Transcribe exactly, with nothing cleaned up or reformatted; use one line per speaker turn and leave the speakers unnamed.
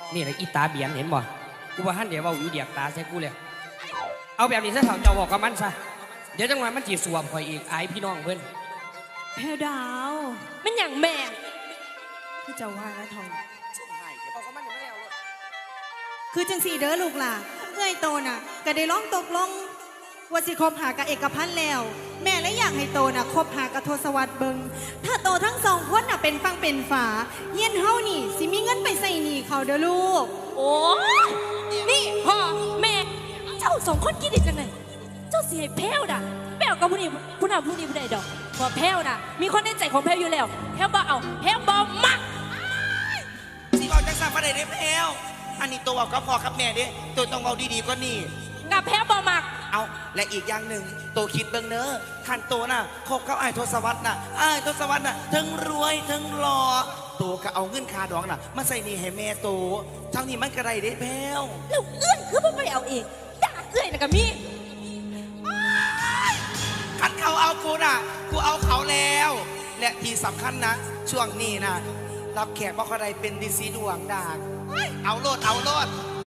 นี่แหละอีตาเบียนเห็นบ่กูว่าหันเดี๋ยวว่าอยู่เดียกตาใส่กูเลยเอาแบบนี้ซะเถ่าเจ้าบอกกับมันซะเดี๋ยวจังหวะมันจีสวมคอยอีกอายพี่น้องเพิ่น
แพรดาว
มันอย่างแม่
คือเจ้าว่านะทอง
ช่วยให้เดี๋ยวบอกกับมันเดี๋ยวไม่แล้วเลย
คือจังสีเด้อลูกล่ะเอ้ยโตน่ะก็ได้ร้องตกลงว่าสิคบหากับเอกพันธ์แล้ว แม่และอยากให้โตน่ะคบหากับทศวรรษเบิงถ้าโตทั้งสองคนน่ะเป็นฟังเป็นฝาเย็นเฮานี่สิมีเงินไปใส่หนี้เขาเด้อลูก
โอ้นี่พ่อแม่เจ้าสองคนคิดดีจังเลยเจ้าเสียแพ้วน่ะแพ้วกับผู้นี้ผู้นั้นผู้นี้ผู้ใดดอกพอแพ้วน่ะมีคนในใจของแพ้วอยู่แล้วแพ้วบ่เอาแพ้วบ่มัก
สิบอกจังสันประเดี๋ยวแพลวอันนี้ตัวก็พอครับแม่เด้ตัวต้องเอาดีๆก็นี่
กับแพ้วบ่มัก
เอาและอีกอย่างหนึ่งตัวคิดเบิ่งเนอะขันตัวน่ะคบกับไอ้ทศวรรษน่ะไอ้ทศวรรษน่ะทั้งรวยทั้งหล่อตัวก็เอาเงินคาดองน่ะมาใส่นี่ให้แม่ตัวทั้งนี้มันกระไรเด้แพลว
แล้วเอื้อนคือบ่ไปเอาเองด่าเอื้อยน่ะก็มี
ขันเขาเอากูน่ะกูเอาเขาแล้วและที่สำคัญนะช่วงนี้นะรับแขกบ่ค่อยได้เป็นดีซีดวงด่างเอาโลดเอาโลด